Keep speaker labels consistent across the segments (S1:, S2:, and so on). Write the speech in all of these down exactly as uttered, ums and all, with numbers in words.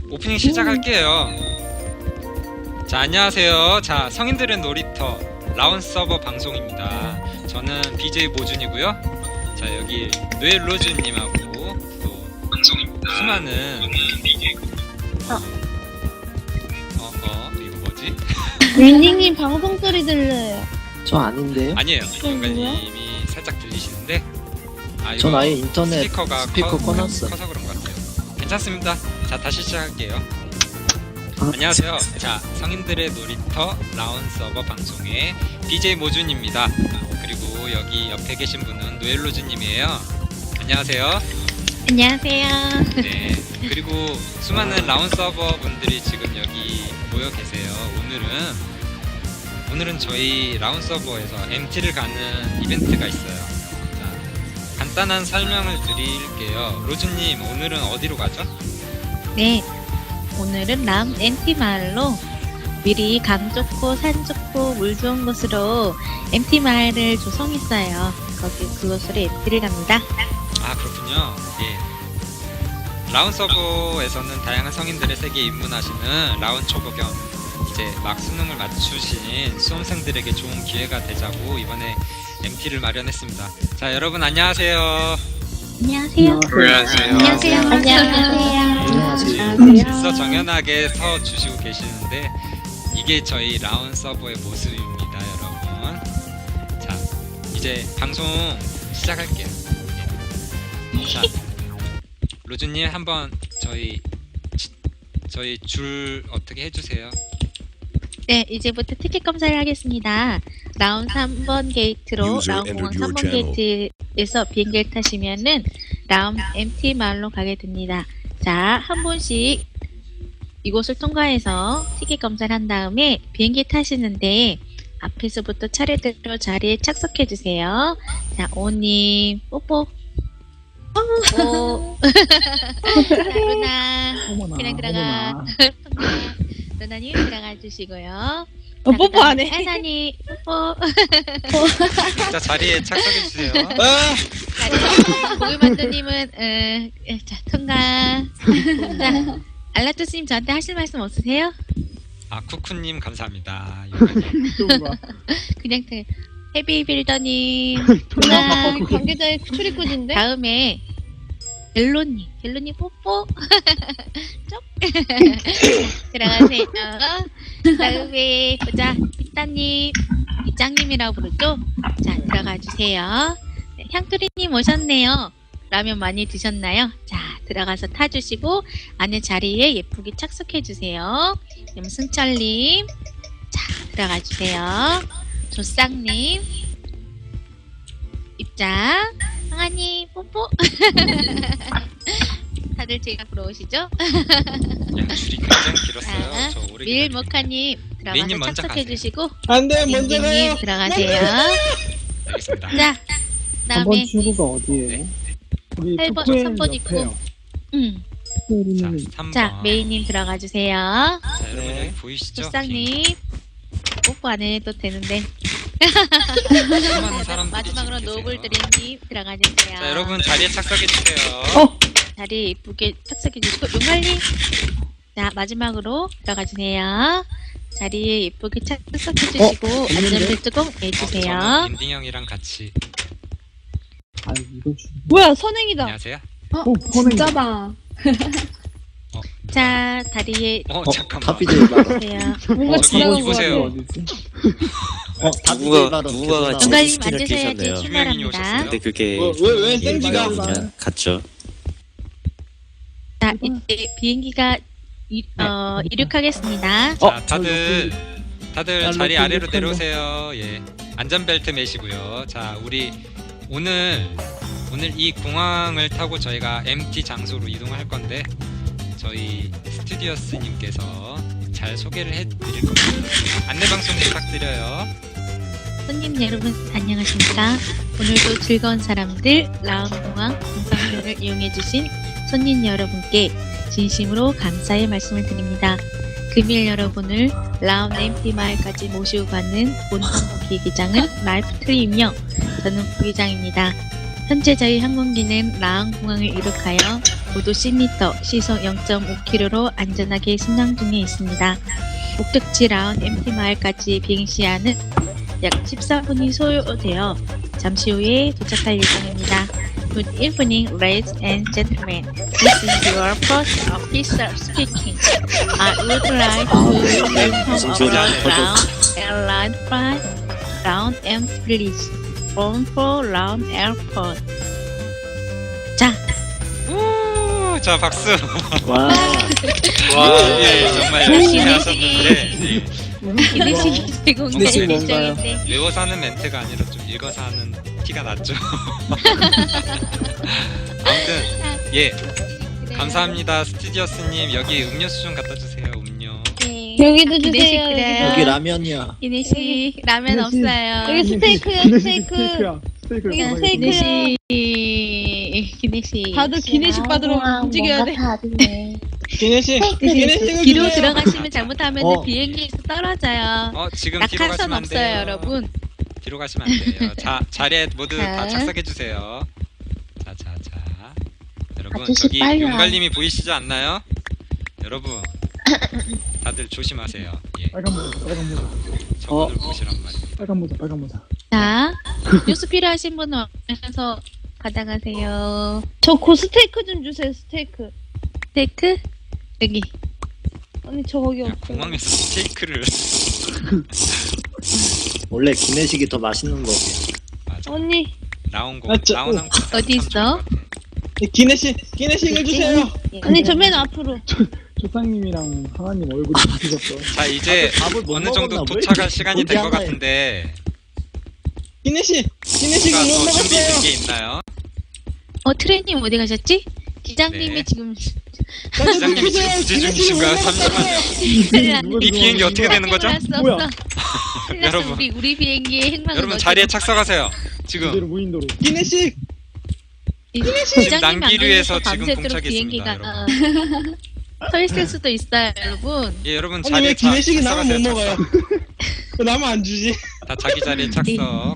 S1: 오프닝 시작할게요. 자, 안녕하세요. 자, 성인들의 놀이터 라운 서버 방송입니다. 저는 비제이 모준이고요. 자, 여기 뇌로즈님하고 또 방송입니다. 수많은 어, 어, 어 이거 뭐지?
S2: 윈딩님 방송 소리 들려요.
S3: 저 아닌데요?
S1: 아니에요.
S2: 누구야?
S1: 용가님이 살짝 들리시는데 아,
S3: 전
S1: 이거
S3: 아예 인터넷
S1: 스피커가
S3: 스피커
S1: 커,
S3: 꺼놨어요.
S1: 커서 그런 것 같아요. 괜찮습니다. 자, 다시 시작할게요.
S3: 아,
S1: 안녕하세요. 자, 성인들의 놀이터 라운 서버 방송의 비제이 모준입니다. 그리고 여기 옆에 계신 분은 노엘로즈님이에요. 안녕하세요.
S2: 안녕하세요.
S1: 네. 그리고 수많은 라운 서버 분들이 지금 여기 모여 계세요. 오늘은 오늘은 저희 라운 서버에서 엠티를 가는 이벤트가 있어요. 자, 간단한 설명을 드릴게요. 로즈님, 오늘은 어디로 가죠?
S2: 네, 오늘은 람 엠티 마을로 미리 강 좋고 산 좋고 물 좋은 곳으로 엠티 마을을 조성했어요. 거기 그곳으로 엠티를 갑니다.
S1: 아, 그렇군요. 예. 라운 서버에서는 다양한 성인들의 세계에 입문하시는 라운 초보 겸 이제 막 수능을 맞추신 수험생들에게 좋은 기회가 되자고 이번에 엠티를 마련했습니다. 자, 여러분 안녕하세요.
S2: 안녕하세요.
S1: 안녕하세요.
S2: 안녕하세요. 안녕하세요.
S3: 안녕하세요.
S1: 벌써 정연하게 서 주시고 계시는데 이게 저희 라운 서버의 모습입니다, 여러분. 자, 이제 방송 시작할게요. 예. 자, 로즈님 한번 저희 저희 줄 어떻게 해주세요?
S2: 네, 이제부터 티켓 검사를 하겠습니다. 라운 삼 번 게이트로
S4: User
S2: 라운 공항
S4: entered your
S2: 삼 번
S4: channel.
S2: 게이트에서 비행기를 타시면은 라운 엠티 마을로 가게 됩니다. 자, 한 분씩 이곳을 통과해서 티켓 검사를 한 다음에 비행기 타시는데 앞에서부터 차례대로 자리에 착석해 주세요. 자, 오님 뽀뽀. 오. 자, 루나.
S5: 어머나,
S2: 그냥 들어가.
S5: 어머나.
S2: 루나님 들어가 주시고요.
S5: 어, 뽀뽀 안 해.
S2: 하사님 뽀뽀.
S1: 자, 자리에 착석해 주세요.
S2: 고기만두님은 어, 자 통과. 자, 알라투스님 저한테 하실 말씀 없으세요?
S1: 아, 쿠쿠님 감사합니다.
S2: 그냥 그 헤비빌더님
S5: 누나
S2: 통과.
S5: 관계자의 출입구진데?
S2: 다음에 벨로님, 벨로님 뽀뽀. 쪽. 들어가세요. 다음에 보자 이따님, 이짱님이라고 부르죠? 자, 들어가 주세요. 네, 향토리님 오셨네요. 라면 많이 드셨나요? 자, 들어가서 타주시고 안에 자리에 예쁘게 착석해 주세요. 그럼 승철님, 자, 들어가 주세요. 조쌍님, 입장. 황아님 뽀뽀. 다들 제가 부러우시죠?
S1: 야, 줄이 굉장히 길었어요.
S2: 자,
S1: 저 오래
S2: 밀
S1: 기다리고.
S2: 모카님
S1: 메인님
S2: 들어가서
S1: 먼저
S2: 착석해
S1: 가세요.
S2: 주시고
S5: 안돼 먼저 가요.
S2: 님 들어가세요.
S1: 알겠습니다.
S2: 자, 그다음에
S5: 출구가 어디예요? 우리
S2: 팔 번,
S5: 토크엘
S2: 삼 번 있고.
S5: 옆에요.
S2: 음,
S1: 자,
S5: 토크엘이면
S1: 삼 번.
S2: 자 메이님 들어가 주세요.
S1: 자, 여러분
S3: 네.
S1: 여기 보이시죠?
S2: 조상님 뽀뽀 안 해도 되는데
S1: 수많은 사람들이
S2: 마지막으로
S1: 지금 계세요.
S2: 노블드림님 들어가 주세요.
S1: 자, 여러분 자리에 착석해 주세요.
S5: 어?
S2: 자리 예쁘게 착석해 주시고 용갈님 자 마지막으로 들어가 주세요. 자리에 예쁘게 착석해 주시고 안전벨트 꼭
S1: 어,
S2: 매주세요.
S1: 저는 인딩 형이랑 같이.
S5: 아 이거 줄.
S6: 뭐야 선행이다.
S1: 안녕하세요.
S5: 어
S6: 진짜다.
S2: 자 다리에
S1: 어,
S3: 어,
S1: 잠깐만.
S3: 다비데이 바로.
S2: 주세요.
S6: 뭔가
S1: 저기
S6: 지나간 거
S1: 이보세요.
S6: 같아.
S5: 어디지?
S3: 어, 다비데이
S7: 누가-
S3: 바로
S7: 누가
S3: 계속
S7: 지금
S3: 나오네.
S2: 용갈님
S7: 스킨을
S2: 앉으셔야지
S7: 끼셨네요.
S1: 유명인이
S2: 출발합니다.
S1: 오셨어요.
S7: 근데 그게
S5: 어, 왜, 왜
S7: 이게
S5: 땡지가
S7: 그냥 갔죠.
S2: 자 이제 비행기가 이, 어, 이륙하겠습니다.
S3: 어,
S1: 자, 다들 다들
S5: 야,
S1: 자리
S5: 로켓,
S1: 아래로
S5: 로켓.
S1: 내려오세요. 예, 안전벨트 매시고요. 자, 우리 오늘 오늘 이 공항을 타고 저희가 엠티 장소로 이동할 건데 저희 스튜디오스님께서 잘 소개를 해드릴 겁니다. 안내 방송 부탁드려요.
S2: 손님 여러분 안녕하십니까? 오늘도 즐거운 사람들 라운공항 공항을 이용해주신 손님 여러분께 진심으로 감사의 말씀을 드립니다. 금일 여러분을 라운 엠티 마을까지 모시고 가는 본항 부기장은 말프트리이며 저는 부기장입니다. 현재 저희 항공기는 라운 공항을 이륙하여 고도 십 미터, 시속 영 점 오 킬로미터로 안전하게 승강 중에 있습니다. 목적지 라운 엠티 마을까지 비행 시간은 약 십사 분이 소요되어 잠시 후에 도착할 예정입니다. Good evening, ladies and gentlemen. This is your first officer speaking. I would like to welcome aboard Round Airline Flight Round M please. From for Round Airport. 자,
S1: 우, 자 박수.
S3: 와.
S1: 와, 예, 정말 열심히 하셨는데 예,
S2: 기내식 제공될
S3: 기내식 뭔가요?
S2: 예정인데
S1: 외워서 하는 멘트가 아니라 좀 읽어서 하는 티가 났죠. 아무튼 예, 감사합니다 스튜디오스님. 여기 음료수 좀 갖다 주세요. 음료.
S2: 네.
S5: 여기도
S2: 기내식
S5: 주세요.
S2: 그래요.
S3: 여기 라면이야.
S2: 기내식 라면
S5: 기내식.
S2: 없어요.
S5: 여기 스테이크요,
S4: 기내식
S5: 스테이크.
S4: 스테이크야. 스테이크.
S5: 여기
S4: 가방에
S5: 스테이크.
S4: 있는
S2: 기내식 기내식
S5: 다들 기내식 받으러 움직여야 돼.
S3: 기내식.
S5: 기내식을
S2: 뒤로
S5: 주세요.
S2: 들어가시면 잘못하면
S3: 어.
S2: 비행기에서 떨어져요.
S1: 어 지금 뒤로
S2: 낙하산
S1: 가시면 안 돼요.
S2: 없어요, 여러분.
S1: 뒤로 가시면 안 돼요. 자 자리에 모두 다
S2: 자.
S1: 착석해 주세요. 자 자 자. 여러분
S6: 아저씨
S1: 저기
S6: 빨리 와.
S1: 용갈님이 보이시지 않나요? 여러분 다들 조심하세요. 예,
S4: 빨간 모자, 빨간 모자,
S1: 저분을 보시란 말이에요.
S4: 빨간 모자, 빨간 모자.
S2: 자, 뉴스 필요하신 분은 오셔서 받아가세요.
S5: 저 고 스테이크 좀 주세요, 스테이크.
S2: 스테이크 여기.
S5: 아니, 저 거기
S1: 야,
S5: 없어.
S1: 공항에서 스테이크를
S3: 원래 기내식이 더 맛있는 거.
S1: 맞아.
S5: 언니,
S1: 라온 거
S3: 아, 저-
S1: 라온 한 거.
S2: 어디 있어?
S3: 기내식. 기내식을 주세요.
S5: 언니 저 맨 앞으로.
S4: 조상님이랑 하나님 얼굴이 바뀌셨어.
S1: 자 이제
S3: 아, 밥을 못
S1: 어느 정도
S3: 먹었나? 왜
S1: 도착할
S3: 이렇게
S1: 시간이 된 것
S3: 고기 하나에-
S1: 같은데
S3: 기내식. 기내식을
S1: 누가
S3: 못
S1: 더
S3: 먹었어요.
S1: 준비된 게 있나요?
S2: 어 트레이님 어디 가셨지? 기장님이
S1: 네.
S2: 지금
S1: 기장님이 지금 부재 중이신가요? 잠시만요.
S2: 큰일 났네.
S1: 이 비행기 어떻게 되는 거죠?
S2: 할 수
S4: 뭐야?
S2: 없어. 큰일 났어.
S1: 여러분.
S2: 우리 우리 비행기의 행방은
S1: 여러분
S2: 어디-
S1: 자리에 착석하세요.
S4: 그대로
S1: 지금
S4: 무인도로.
S3: 기내식.
S2: 이- 기장님이 안
S1: 난기류에서
S2: 걸려서
S1: 지금
S2: 밤새도록
S1: 공착했습니다,
S2: 비행기가 어, 서 있을 수도 있어요, 여러분.
S1: 예 여러분
S3: 아니
S1: 자리에
S3: 왜
S1: 자-
S3: 기내식이 나만 못
S1: 착석하세요,
S3: 먹어요?
S1: 착석.
S3: 왜 나만 안 주지?
S1: 다 자기 자리에 착석.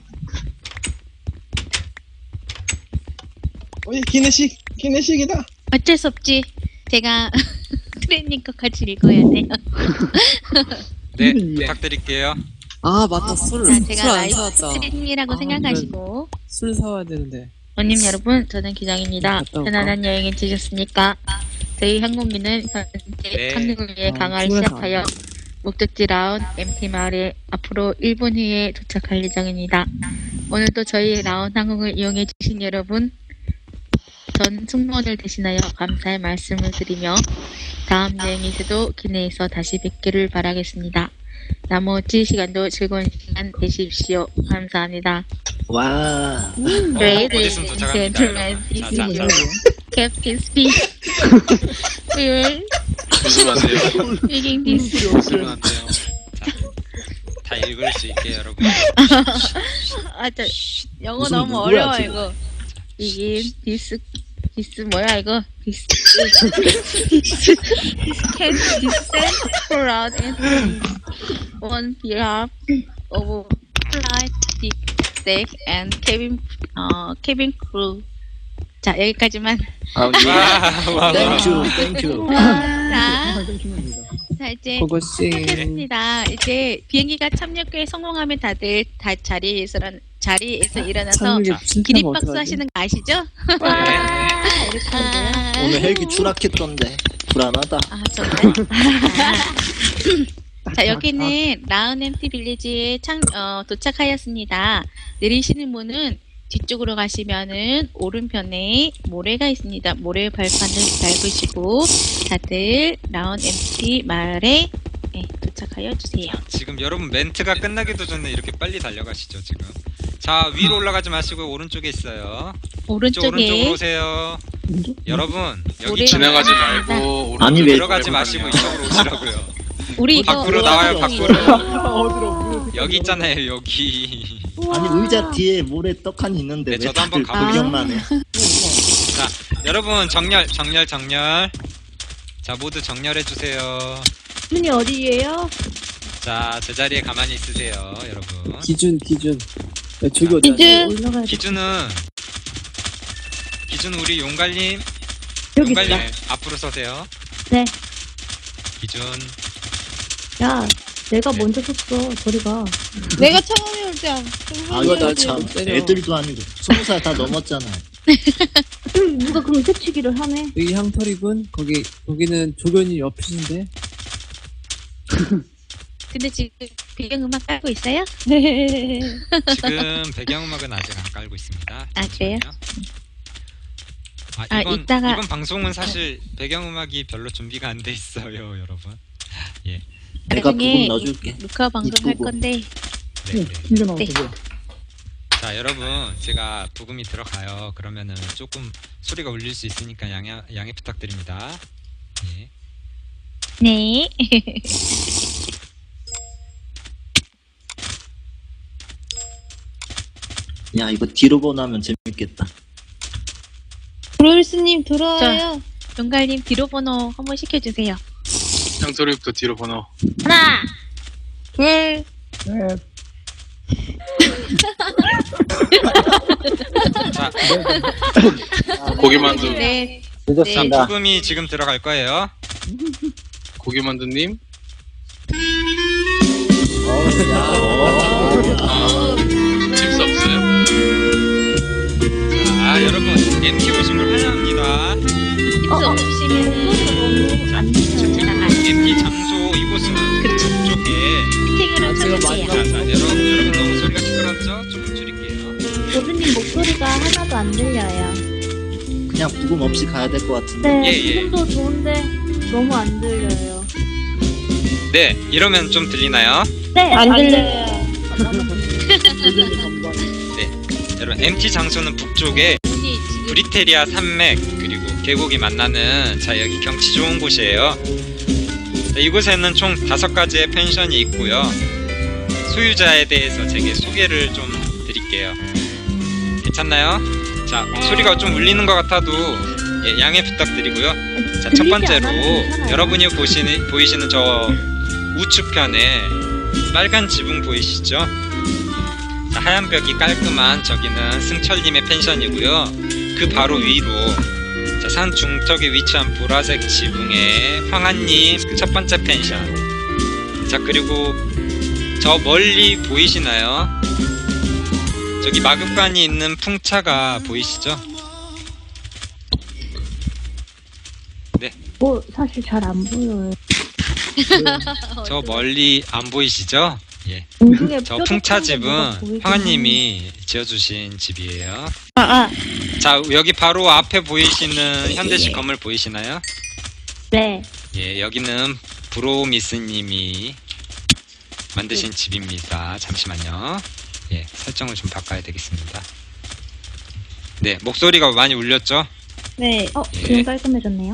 S3: 어이 기내식. 기내식이다.
S2: 어쩔 수 없지. 제가 트레이닝 것까지 읽어야 돼요.
S1: 네
S4: 음.
S1: 부탁드릴게요.
S7: 아 맞다 술
S2: 자,
S7: 술
S2: 제가
S7: 안
S2: 라이브
S7: 사왔다.
S2: 트레이닝이라고
S7: 아,
S2: 생각하시고.
S7: 술 사와야 되는데
S2: 원님 여러분, 저는 기장입니다.
S7: 갔다 올까?
S2: 편안한 여행이 되셨습니까? 저희 항공기는 현재
S1: 네.
S2: 착륙을 위해
S7: 아,
S2: 강화를
S7: 출발해서
S2: 시작하여 목적지 라운 엠티 마을에 앞으로 일 분 후에 도착할 예정입니다. 오늘도 저희 라운 항공을 이용해 주신 여러분, 전 승무원을 대신하여 감사의 말씀을 드리며 다음 여행에서도 기내에서 다시 뵙기를 바라겠습니다. 나머지 시간도 즐거운 시간 되십시오. 감사합니다.
S3: 와.
S1: 어, 곧
S2: Ladies
S1: 있으면
S2: and
S1: 도착합니다.
S2: gentlemen,
S1: 여러분.
S2: this
S1: 자,
S2: is
S1: 자,
S2: your Captain Speak. We will
S8: 조심하세요.
S2: speaking this.
S8: 조심하세요.
S1: 자, 다 읽을 수 있게 여러분.
S2: 아, 저 영어
S3: 무슨
S2: 너무
S3: 누구야,
S2: 어려워
S3: 지금?
S2: 이거. 이게 디스 디스 뭐야 이거? 디스 디스 can descend for out and on behalf of flight deck and cabin 어 cabin crew. 자 여기까지만.
S8: 아,
S1: 와, 와, 와.
S3: 땡큐. 땡큐.
S2: 자,
S4: 항상 땡큐입니다.
S2: 자 이제
S7: 고고씨
S2: 시작했습니다. 이제 비행기가 착륙에 성공하면 다들 다 자리에서 자리에서 일어나서
S7: 참는 게 무슨
S2: 기립박수 하시는 거 아시죠? 아,
S3: 오늘 헬기 추락했던데 불안하다.
S2: 아 정말. 자 여기는 라운 엠티 빌리지에 창, 어, 도착하였습니다. 내리시는 문은 뒤쪽으로 가시면은 오른편에 모래가 있습니다. 모래 발판을 밟으시고 다들 라운 엠티 마을에 네, 도착하여 주세요.
S1: 지금 여러분 멘트가 끝나기도 전에 이렇게 빨리 달려가시죠 지금. 자 위로 올라가지 마시고 오른쪽에 있어요. 이쪽 오른쪽으로
S2: 오른쪽에
S1: 오세요. 여러분 여기
S2: 모래-
S8: 지나가지
S2: 아,
S8: 말고
S3: 아니,
S8: 오른쪽으로
S3: 왜-
S1: 들어가지
S8: 들고
S1: 마시고
S8: 다녀요.
S1: 이쪽으로 오시라고요.
S2: 우리 이거
S1: 밖으로
S2: 우와,
S1: 나와요,
S2: 방송이
S1: 밖으로.
S4: 어디로?
S1: 여기 있잖아요 여기.
S3: 아니 의자 뒤에 모래 떡하니 있는데
S1: 네,
S3: 왜
S1: 저도 한번
S3: 다들
S2: 가볼게요.
S3: 구경만 해?
S1: 자 여러분 정렬 정렬 정렬. 자 모두 정렬해 주세요.
S5: 문이 어디예요?
S1: 자 제자리에 가만히 있으세요 여러분.
S7: 기준 기준 야, 저기 어디
S5: 기준.
S7: 올라가야 돼
S1: 기준은 기준 우리 용갈님.
S5: 여기
S1: 용갈님
S5: 있다.
S1: 앞으로 서세요.
S5: 네.
S1: 기준.
S5: 야, 내가
S1: 네.
S5: 먼저 섰어. 저리 가.
S2: 내가 처음에 올 때.
S3: 아
S7: 이거
S3: 이거
S7: 나
S3: 참
S7: 때려.
S3: 애들도 아니고 스무 살 다 넘었잖아.
S5: 음, 누가 그럼 새치기를 하네.
S7: 여기 향털이군. 거기 거기는 조견이 옆이신데.
S2: 근데 지금 배경음악 깔고 있어요?
S1: 지금 배경음악은 아직 안 깔고 있습니다.
S2: 아, 그래요?
S1: 잠시만요. 아,
S2: 아,
S1: 이번,
S2: 이따가-
S1: 이번 방송은 사실 배경음악이 별로 준비가 안 돼 있어요, 여러분.
S3: 내가
S2: 나중에
S3: 부금 넣어줄게.
S2: 녹화 방송 할
S3: 이쁘고.
S2: 건데
S1: 네,
S4: 오,
S1: 네.
S4: 튕겨 나왔어.
S2: 네.
S4: 뭐야.
S1: 자, 여러분, 제가 부금이 들어가요. 그러면은 조금 소리가 울릴 수 있으니까 양해, 양해 부탁드립니다. 예.
S2: 네.
S3: 야 이거 뒤로 보나면 재밌겠다.
S5: 브로일스님 들어와요.
S2: 용갈님 뒤로 번호 한번 시켜주세요.
S8: 향소리부터 뒤로 번호.
S5: 하나, 둘,
S4: 네.
S1: 자,
S8: 고기만두,
S2: 네.
S1: 자,
S3: 늦었습니다.
S1: 부금이 지금 들어갈 거예요.
S8: 고기만두님.
S3: 어,
S8: 칩스 없어요?
S1: 자, 여러분, 엠티 오신 걸 환영합니다.
S2: 어, 없으면은
S1: 자,
S2: 안 되잖아.
S1: 엠티 장소 이곳은
S2: 그렇죠.
S1: 쪽에.
S2: 팅으로
S7: 아, 제가
S2: 쳐주세요.
S1: 자, 자, 여러분, 여러분 너무 소리가 시끄럽죠? 조금 줄일게요.
S5: 교수님 목소리가 하나도 안 들려요.
S3: 그냥 부금 없이 가야 될 것 같은데.
S5: 네,
S1: 예, 예.
S5: 지금도 좋은데 너무 안 들려요.
S1: 네, 이러면 좀 들리나요?
S5: 네, 안 들려요.
S4: 의견이 전반.
S1: 여러분, 엠티 장소는 북쪽에
S2: 문이 지금
S1: 브리테리아 산맥 그리고 계곡이 만나는, 자, 여기 경치 좋은 곳이에요. 자, 이곳에는 총 다섯 가지의 펜션이 있고요. 소유자에 대해서 제게 소개를 좀 드릴게요. 괜찮나요? 자, 소리가 좀 울리는 것 같아도 예, 양해 부탁드리고요. 자, 첫
S5: 들리지
S1: 번째로
S5: 않아도 괜찮아요.
S1: 여러분이 보시는 보이시는 저 우측편에 빨간 지붕 보이시죠? 자, 하얀 벽이 깔끔한 저기는 승철님의 펜션이고요. 그 바로 위로 자, 산 중턱에 위치한 보라색 지붕의 황한님 첫 번째 펜션. 자, 그리고 저 멀리 보이시나요? 저기 마급관이 있는 풍차가 보이시죠?
S5: 뭐 사실 잘 안 보여요.
S1: 저 멀리 안 보이시죠? 예.
S5: 공중에
S1: 저
S5: 뾰족한
S1: 풍차
S5: 게 뭐가
S1: 집은
S5: 보이긴
S1: 황한님이 지어주신 집이에요.
S5: 아, 아,
S1: 자, 여기 바로 앞에 보이시는 현대식 건물 보이시나요?
S5: 네.
S1: 예, 여기는 브로미스님이 만드신 집입니다. 잠시만요. 예, 설정을 좀 바꿔야 되겠습니다. 네, 목소리가 많이 울렸죠?
S5: 네. 어,
S1: 예.
S5: 지금 깔끔해졌네요.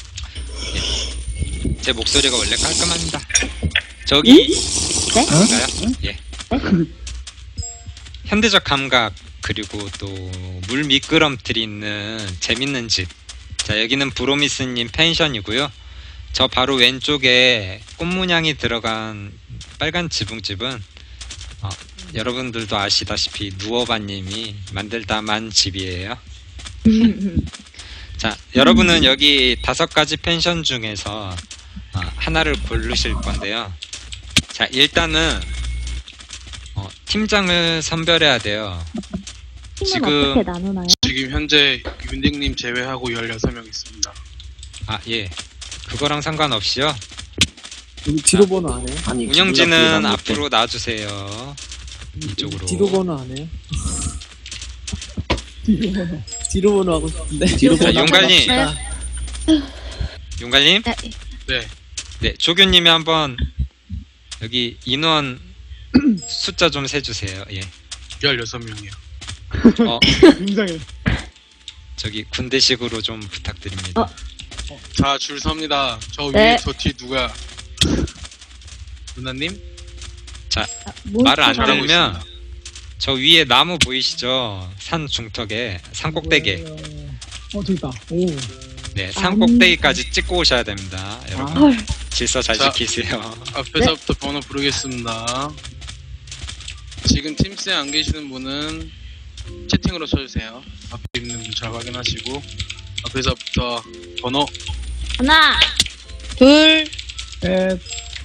S1: 제 목소리가 원래 깔끔합니다. 저기
S5: 네?
S1: 뭔가요? 예. 현대적 감각 그리고 또 물 미끄럼틀이 있는 재밌는 집. 자, 여기는 브로미스님 펜션이고요. 저 바로 왼쪽에 꽃문양이 들어간 빨간 지붕집은 어, 여러분들도 아시다시피 누워바님이 만들다만 집이에요. 자, 여러분은 여기 다섯 가지 펜션 중에서 어, 하나를 고르실 건데요. 자, 일단은 어, 팀장을 선별해야 돼요.
S5: 팀은
S1: 지금-
S5: 어떻게 나누나요?
S8: 지금 현재 윤딩님 제외하고 열여섯 명 있습니다.
S1: 아, 예. 그거랑 상관없이요.
S7: 여기 뒤로 번호 안 해요?
S3: 아니
S1: 운영진은
S3: 기분 나쁘게
S1: 앞으로 놔주세요. 이쪽으로.
S7: 뒤로 번호 안 해요?
S4: 뒤로
S7: 뒤로 번호 하고 싶은데.
S3: 뒤로
S1: 자,
S3: 보나
S1: 용갈님.
S3: 봅시다.
S1: 용갈님?
S2: 아,
S8: 네,
S1: 네, 조교님이 한번 여기 인원 숫자 좀 세주세요. 예.
S8: 열여섯 명이요.
S1: 어,
S4: 굉장해.
S1: 저기 군대식으로 좀 부탁드립니다.
S5: 어.
S8: 자, 줄 섭니다. 저
S5: 네.
S8: 위에 저 뒤에 누구야? 누나님?
S5: 몬스터
S1: 말을 안
S8: 잘하고
S1: 들면
S8: 있습니다.
S1: 저 위에 나무 보이시죠? 산 중턱에 산 꼭대기.
S4: 어, 저기 있다. 오.
S1: 네, 산
S5: 아니.
S1: 꼭대기까지 찍고 오셔야 됩니다. 여러분
S4: 아,
S5: 헐.
S1: 질서 잘
S8: 자.
S1: 지키세요.
S8: 앞에서부터 번호 부르겠습니다. 지금 팀스에 안 계시는 분은 채팅으로 쳐주세요. 앞에 있는 분 잘 확인하시고 앞에서부터 번호
S5: 하나,
S2: 둘,
S4: 넷.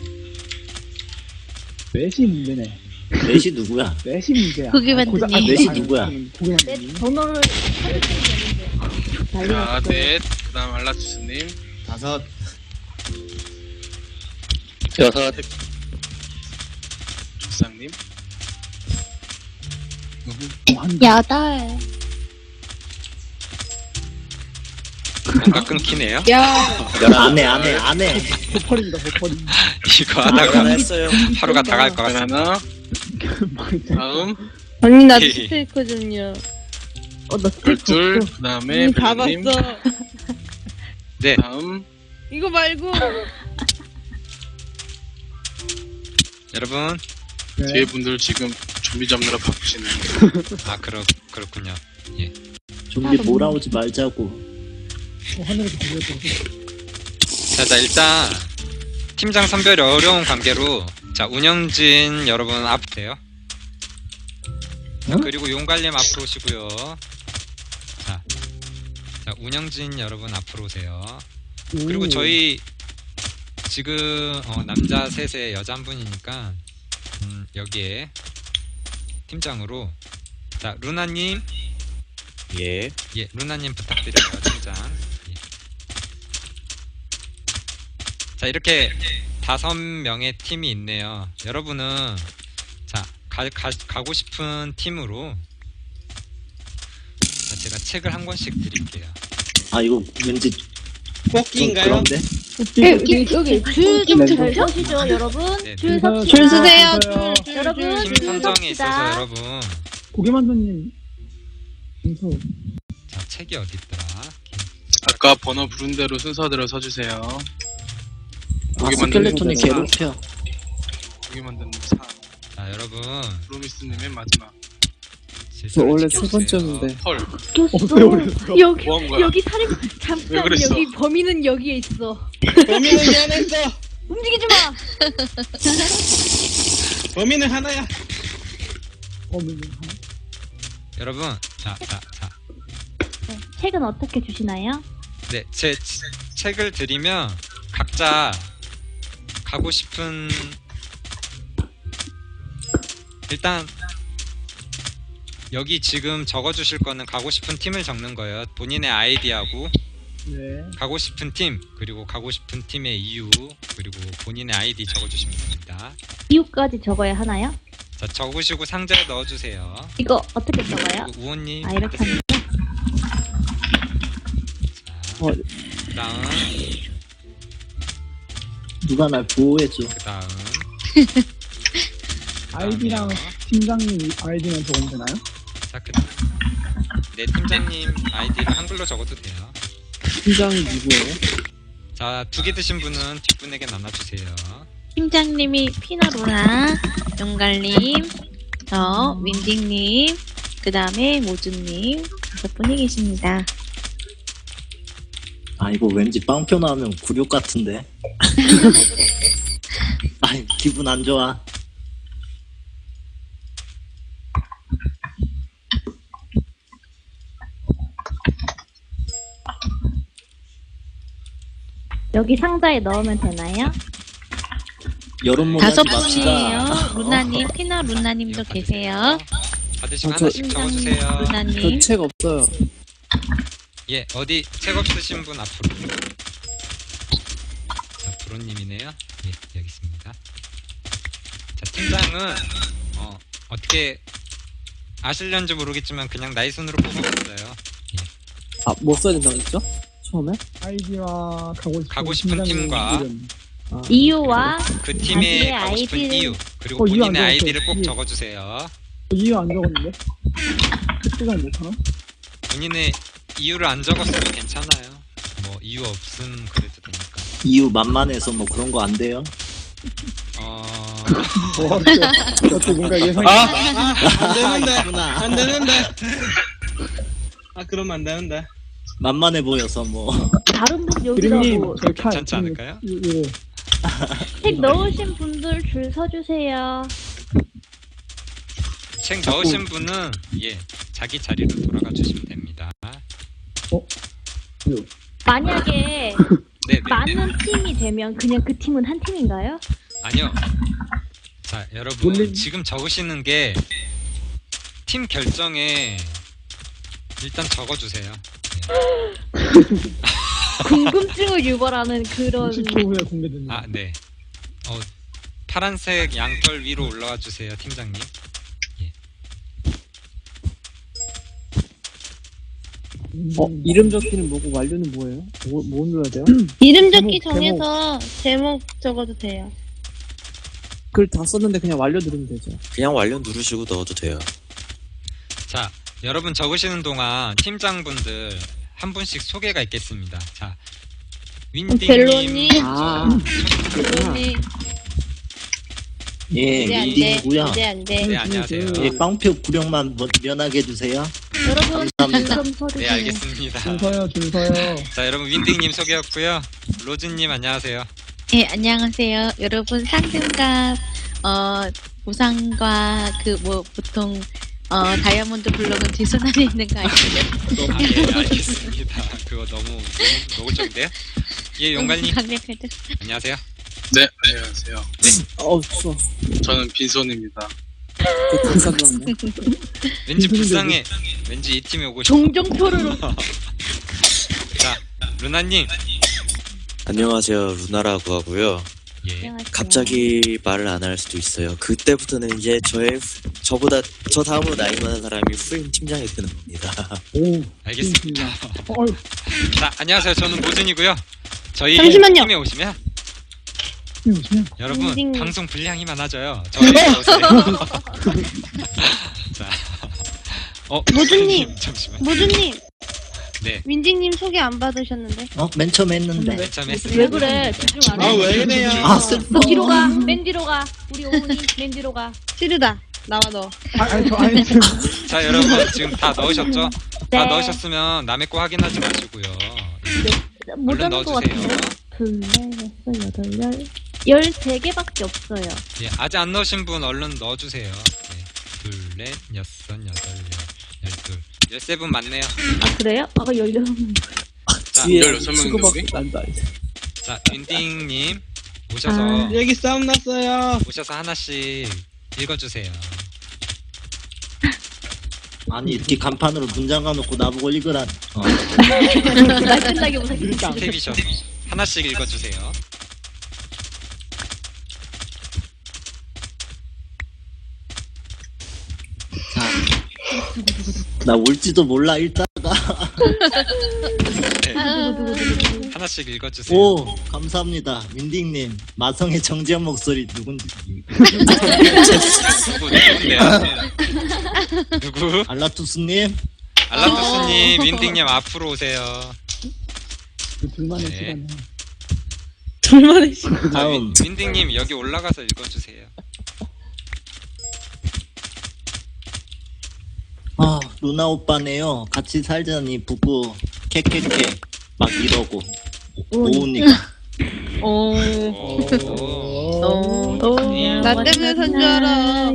S4: 넷이 문제네.
S3: 넷이 누구야?
S4: 넷이 문제야.
S2: 고기
S4: 아, 고자-
S2: 만드님.
S4: 아,
S3: 넷이
S4: 아니,
S3: 누구야?
S4: 아니, 고기
S5: 넷
S4: 만드님.
S5: 번호를 찾으시면 되는데. 난리
S8: 자,
S5: 났어요.
S8: 넷, 그 다음 알라투스님,
S3: 다섯.
S6: 여섯,
S8: 조상님,
S4: 어, 한
S5: 여덟.
S1: 뭔가 끊기네요.
S3: 안해 안해 안해.
S4: 버퍼링이다, 버퍼링.
S1: 이거 하다가
S3: 했어요.
S1: 하루가 다 갈 것
S8: 그
S1: 같습니다.
S8: 하나,
S4: 망했다.
S8: 다음,
S5: 언니 나
S1: 헤이.
S5: 진짜 있거든요. 어, 나 스테이크
S8: 열둘,
S5: 없어.
S8: 그 다음에
S5: 음, 다
S8: 벨님,
S5: 봤어.
S1: 네,
S8: 다음,
S5: 이거 말고.
S1: 여러분.
S4: 네.
S8: 뒤에 분들 지금 준비 잡느라 바쁘시네요.
S1: 아, 그렇, 그렇군요.
S3: 좀비 몰아오지 말자고.
S4: 어, 하늘에서 고기가 떨어져.
S1: 자, 자, 일단 팀장 선별이 어려운 관계로 자, 운영진 여러분 앞으세요. 자,
S3: 응?
S1: 그리고 용갈님 앞으로 오시고요. 자, 자, 운영진 여러분 앞으로 오세요. 그리고
S4: 오.
S1: 저희 지금 어, 남자 셋에 여자 한 분이니까 음, 여기에 팀장으로 자, 루나님.
S6: 예,
S1: 예, 루나님 부탁드려요, 팀장. 예. 자, 이렇게 다섯 명의 팀이 있네요. 여러분은 자, 가, 가, 가고 싶은 팀으로 자, 제가 책을 한 권씩 드릴게요.
S3: 아 이거 왠지 좀
S6: 뽑기인가요?
S3: 그런데?
S5: 네, 여기 여기 줄좀
S4: 네,
S5: 잘 서시죠, 여러분.
S1: 네,
S5: 줄
S1: 네.
S5: 섭시다.
S4: 줄
S5: 서세요.
S4: 서세요.
S5: 줄, 여러분
S1: 팀
S5: 줄
S1: 선정에 있어서
S5: 섭시다.
S1: 여러분
S4: 고기 만두님. 순서.
S1: 자, 책이 어디 있더라?
S8: 아까 번호 부른 대로 순서대로 서주세요.
S3: 아
S8: 고기 만드는
S3: 스켈레톤이
S8: 거
S3: 괴롭혀.
S8: 고기 만드는 사,
S1: 자, 여러분
S8: 프로미스님의 마지막.
S7: 저
S1: 질서를
S7: 원래 세
S1: 지켜주세요.
S7: 번째였는데.
S8: 헐,
S4: 없어요, 그랬어.
S5: 여기
S8: 뭐한 거야?
S5: 여기 살인
S8: 왜
S5: 잠깐
S8: 그랬어?
S5: 여기 범인은 여기에 있어.
S6: 범인은 미안했어.
S5: 움직이지 마.
S6: 범인은 하나야.
S4: 어, 뭐,
S1: 여러분, 자, 자, 자.
S5: 네, 책은 어떻게 주시나요?
S1: 네, 제 치- 책을 드리면 각자 가고 싶은 일단 여기 지금 적어주실 거는 가고 싶은 팀을 적는 거예요. 본인의 아이디하고
S4: 네.
S1: 가고 싶은 팀 그리고 가고 싶은 팀의 이유 그리고 본인의 아이디 적어주시면 됩니다.
S5: 이유까지 적어야 하나요?
S1: 자, 적으시고 상자에 넣어주세요.
S5: 이거 어떻게 적어요?
S1: 그리고 우호님,
S5: 아 이렇게 하면
S1: 자,
S7: 어.
S1: 그다음
S3: 누가 날 보호해줘.
S1: 그다음
S4: 아이디랑
S1: 그다음에요.
S4: 팀장님 아이디만 적으면 되나요?
S1: 자, 그, 네, 팀장님 아이디를 한글로 적어도 돼요.
S7: 팀장이 누구예요?
S1: 자, 두 개 드신 분은 뒷분에게 나눠주세요.
S2: 팀장님이 피나로라, 용갈님, 저 윈딩님, 그 다음에 모주님 다섯 분이 계십니다.
S3: 아 이거 왠지 빵표 나오면 굴욕 같은데. 아이 기분 안 좋아.
S5: 여기 상자에 넣으면 되나요?
S3: 여론몰이
S2: 다섯
S3: 하지 맙시다.
S2: 분이에요. 루나님, 피나 루나님도
S1: 이거
S2: 계세요.
S1: 받으시고
S7: 어, 저-
S1: 하나씩 적어주세요.
S7: 저
S2: 루나님.
S7: 책 없어요.
S1: 예, 어디 책 없으신 분 앞으로. 자, 브로님이네요. 예, 여기 있습니다. 자, 팀장은 어, 어떻게 아실련지 모르겠지만 그냥 나이 순으로 뽑아봤어요.
S7: 아, 뭐 써야 된다고 했죠? 처음에?
S4: 아이디와 가고 싶은,
S1: 가고 싶은
S4: 팀장님
S1: 팀과
S4: 이름.
S7: 아,
S5: 이유와
S1: 그 팀에
S5: 자기의
S1: 가고 싶은
S5: 아이디를-
S1: 이유 그리고
S4: 어, 이유 안
S1: 본인의
S4: 적었어요.
S1: 아이디를 꼭
S4: 이유.
S1: 적어주세요.
S4: 이유 안 적었는데? 특수장 못하나?
S1: 본인의 이유를 안 적었어도 괜찮아요. 뭐 이유 없음 그래도 되니까.
S3: 이유 만만해서 뭐 그런 거 안 돼요.
S1: 어,
S4: 와, 저, 저 뭔가 예상이.
S6: 아, 아, 안 되는데.
S3: 있구나.
S6: 안 되는데. 아, 그러면 안 되는데.
S3: 만만해 보여서 뭐.
S5: 다른 분
S4: 드림님,
S5: 여기라고
S4: 저 칼.
S1: 괜찮지 않을까요?
S4: 이- 이거.
S5: 책 넣으신 분들 줄 서주세요.
S1: 책 넣으신 분은 예 자기 자리로 돌아가 주시면 됩니다.
S5: 만약에
S1: 네네.
S5: 많은 팀이 되면 그냥 그 팀은 한 팀인가요?
S1: 아니요. 자, 여러분
S7: 몰래-
S1: 지금 적으시는 게 팀 결정에 일단 적어주세요.
S5: 궁금증을 유발하는 그런
S4: 삼십 초 후에 공개됩니다.
S1: 아, 네. 어, 파란색 양털 위로 올라와 주세요, 팀장님.
S7: 어, 이름 적기는 뭐고 완료는 뭐예요? 뭐, 뭐 눌러야 돼요?
S9: 이름 적기
S7: 제목,
S9: 정해서 제목 적어도 돼요.
S7: 글 다 썼는데 그냥 완료 누르면 되죠.
S10: 그냥 완료 누르시고 넣어도 돼요.
S1: 자, 여러분 적으시는 동안 팀장분들 한 분씩 소개가 있겠습니다. 자, 윈딩님.
S9: 벨로님.
S7: 아,
S9: 그러니
S3: 예,
S9: 이제 안 돼.
S3: 윈딩이고요.
S9: 이제 안 돼.
S1: 네, 안녕하세요.
S3: 예, 빵표 구령만 뭐- 면하게 해주세요.
S5: 여러분
S3: 감사합니다.
S5: 좀 서주세요.
S1: 네, 알겠습니다.
S4: 줄 서요, 줄 서요.
S1: 자, 여러분 윈딩님 소개였고요. 로즈님 안녕하세요.
S2: 예, 안녕하세요. 여러분 상승과 어 보상과 그 뭐 보통 어 다이아몬드 블록은 뒷손안에 있는 거 아시죠?
S1: 아, 예, 알겠습니다. 그거 너무 너무 노골적인데요? 예, 용갈님
S2: 강력할 때.
S1: 안녕하세요.
S8: 네, 안녕하세요.
S7: 어우, 추워.
S8: 저는 빈손입니다.
S7: 그 감사 들었네.
S1: 왠지 불쌍해. 왠지 이 팀에 오고 싶어.
S5: 종종표를
S1: 자, 루나님.
S10: 안녕하세요. 루나라고 하고요.
S1: 예.
S10: 갑자기 말을 안 할 수도 있어요. 그때부터는 이제 저의 후- 저보다 저 다음으로 나이 많은 사람이 후임 팀장이 되는 겁니다.
S4: 오,
S1: 알겠습니다.
S4: 어,
S1: 자, 안녕하세요. 저는 모준이고요. 저희
S9: 잠시만요.
S1: 팀에 오시면
S4: 오시면
S1: 여러분
S9: 윈딩.
S1: 방송 분량이 많아져요. 저희 오세요. 자, 어,
S9: 모준님.
S1: 잠시만.
S9: 모준님,
S1: 네,
S9: 윈딩님 소개 안 받으셨는데.
S3: 어, 맨 처음 했는데.
S1: 맨 처음
S5: 왜
S1: 했습니다.
S5: 그래? 집중 안 해.
S6: 아, 왜 그래요?
S3: 아, 슬퍼.
S5: 뒤로 가. 맨 뒤로 가. 우리 오은이 맨 뒤로 가.
S9: 찌르다. 나와 너.
S4: 아, 아니, 저, 아니, 지금.
S1: 자, 여러분 지금 다 넣으셨죠?
S5: 네.
S1: 다 넣으셨으면 남의 거 확인하지 마시고요.
S5: 못
S1: 얼른
S5: 잡은 것
S1: 넣어주세요.
S5: 같은데. 둘, 넷, 여섯, 여덟, 열. 열세 개밖에 없어요.
S1: 예, 아직 안 넣으신 분 얼른 넣어주세요. 네, 둘, 넷, 여섯, 여덟, 열, 열둘, 열세 분 맞네요.
S5: 아 그래요? 아까 열여섯 명.
S1: 자,
S7: 뒤에
S8: 열여섯 명인데,
S7: 치고받고
S8: 우리?
S7: 난다, 이제.
S1: 자, 윈딩님 오셔서
S5: 아.
S6: 여기 싸움 났어요.
S1: 오셔서 하나씩 읽어주세요.
S3: 아니, 이렇게 간판으로 문장 가놓고 나보고 읽으라. 어.
S5: 날 끝나게 못하겠다.
S1: 스텝이셔서 하나씩 읽어주세요.
S3: 자, 나 올지도 몰라, 읽다가.
S1: 네, 하나씩 읽어주세요.
S3: 오, 감사합니다. 윈딩님, 마성의 정지한 목소리 누군지.
S1: 누구 누군데요? 누구?
S3: 알라투스님,
S1: 알라투스님, 윈딩님 앞으로 오세요.
S4: 그 둘만의
S1: 네.
S4: 시간에.
S9: 둘만의 시.
S1: 자,
S3: 다음.
S1: 윈, 윈딩님 여기 올라가서 읽어주세요.
S3: 아, 루나 오빠네요. 같이 살자니 부부, 캐캐캐. 막 이러고. 오우니까.
S2: 오.
S1: 오.
S2: 오.
S1: 오.
S9: 나 때문에 산 줄 알아.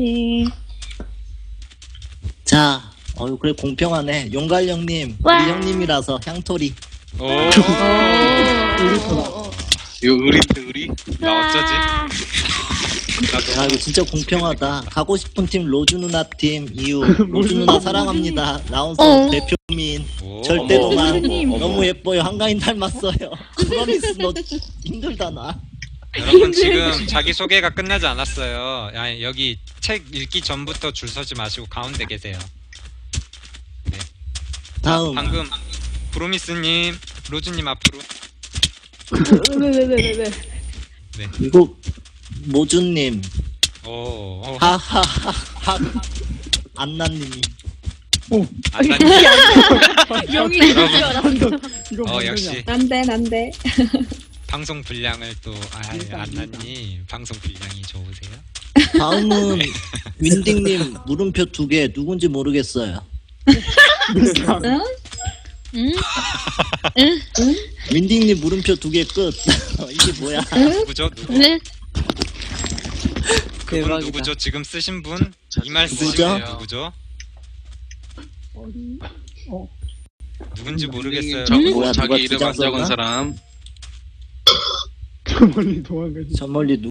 S3: 자, 어유 그래 공평하네. 용갈 형님,
S5: 와.
S3: 우리 형님이라서 향토리.
S1: 오.
S8: 이거 의리인데, 의리?
S1: 나 어쩌지?
S5: 와.
S1: 나도.
S3: 야, 이거 진짜 공평하다. 가고 싶은 팀 로즈 누나 팀 이유. 로즈 누나 사랑합니다. 라운서
S9: 어.
S3: 대표민.
S1: 오.
S3: 절대로만.
S5: 어머.
S3: 너무 예뻐요. 한가인 닮았어요. 프로미스 너 힘들다 나.
S1: 여러분 지금 자기 소개가 끝나지 않았어요. 야, 여기 책 읽기 전부터 줄 서지 마시고 가운데 계세요.
S3: 다음.
S1: 방금 브로미스님, 로즈님 앞으로.
S5: 왜 왜 왜 왜 왜?
S3: 이거 모준님.
S1: 오. 오.
S3: 하하하하. 안나님이.
S1: 안나님.
S5: 영이
S1: 여러분.
S5: 줄 알았어.
S4: 이거
S1: 어
S4: 뭔
S1: 역시
S4: 소리야?
S9: 난데 난데.
S1: 방송 분량을 또 아, 안나님 방송 분량이 좋으세요?
S3: 다음은 윈딩님 물음표 두 개 누군지 모르겠어요.
S2: 응?
S3: 윈딩님 물음표 두 개 끝. 이게 뭐야?
S1: 누구죠? 누구?
S2: 네?
S1: 그분
S7: 대박이다.
S1: 누구죠? 지금 쓰신 분? 이 말
S3: 누구죠?
S1: 쓰시네요. 누구죠?
S4: 어디? 어,
S1: 누군지 모르겠어요.
S8: 자,
S3: 뭐야, 누가
S8: 자기 이름
S3: 주장
S8: 안 적은
S3: 썼나?
S8: 사람.
S4: 저 멀리 도망가지.
S3: 저 멀리 누